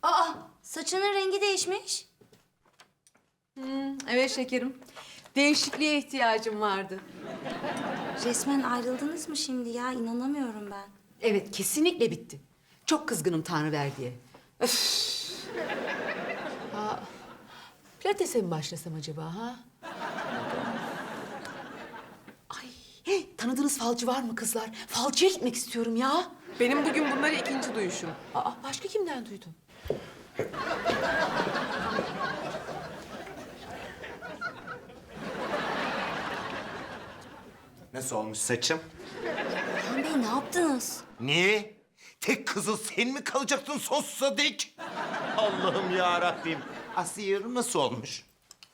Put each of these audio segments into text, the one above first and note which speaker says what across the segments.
Speaker 1: Aa, saçının rengi değişmiş.
Speaker 2: Evet şekerim. Değişikliğe ihtiyacım vardı.
Speaker 1: Resmen ayrıldınız mı şimdi ya? İnanamıyorum ben.
Speaker 2: Evet, kesinlikle bitti. Çok kızgınım Tanrıverdi'ye. Öf. Pilates'e mi başlasam acaba ha? Ay, tanıdığınız falcı var mı kızlar? Falcıya gitmek istiyorum ya.
Speaker 3: Benim bugün bunları ikinci duyuşum.
Speaker 2: Başka kimden duydun?
Speaker 4: Nasıl olmuş saçım?
Speaker 1: Orhan Bey ne yaptınız?
Speaker 4: Niye? Tek kızıl sen mi kalacaktın sonsuza dek? Allah'ım ya Rabbim. Asiye nasıl olmuş?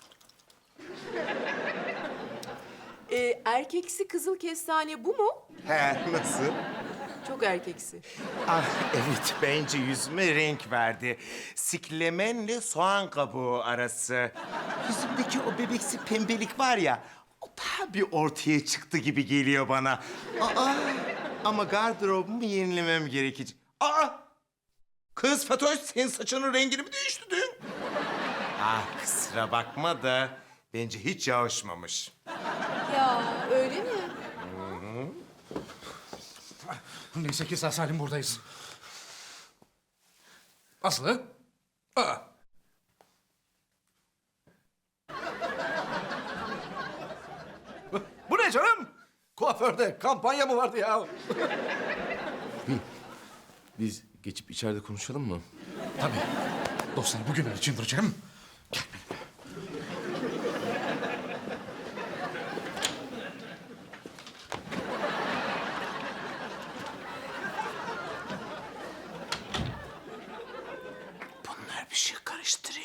Speaker 3: Erkeksi kızıl kestane bu mu?
Speaker 4: He, nasıl?
Speaker 3: Çok erkeksi.
Speaker 4: Ah evet, bence yüzüme renk verdi. Siklemenle soğan kabuğu arası. Yüzümdeki o bebeksi pembelik var ya, o daha bir ortaya çıktı gibi geliyor bana. Ama gardırobumu yenilemem gerekecek. Kız Fatoş, senin saçının rengini mi değiştirdin? Kusura bakma da bence hiç yağışmamış.
Speaker 3: Ya öyle mi?
Speaker 5: Neyse ki sağ salim buradayız. Aslı? Bu ne canım? Kuaförde kampanya mı vardı ya?
Speaker 6: Biz geçip içeride konuşalım mı?
Speaker 5: Tabii. Dostlar bugünler için duracağım. Gel benimle.
Speaker 4: Bunlar bir şey karıştırıyor.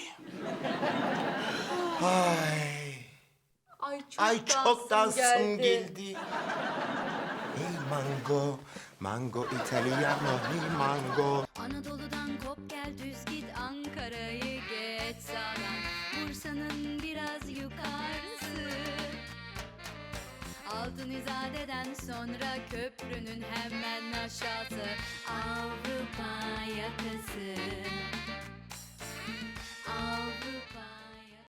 Speaker 3: Ay
Speaker 4: Çok dansım geldi. Hey mango, mango italiano, hey mango.
Speaker 7: Anadolu'dan kop gel düz git Ankara'yı geç sağdan Bursa'nın biraz yukarısı Altın İzade'den sonra köprünün hemen aşağısı Avrupa yakası Avrupa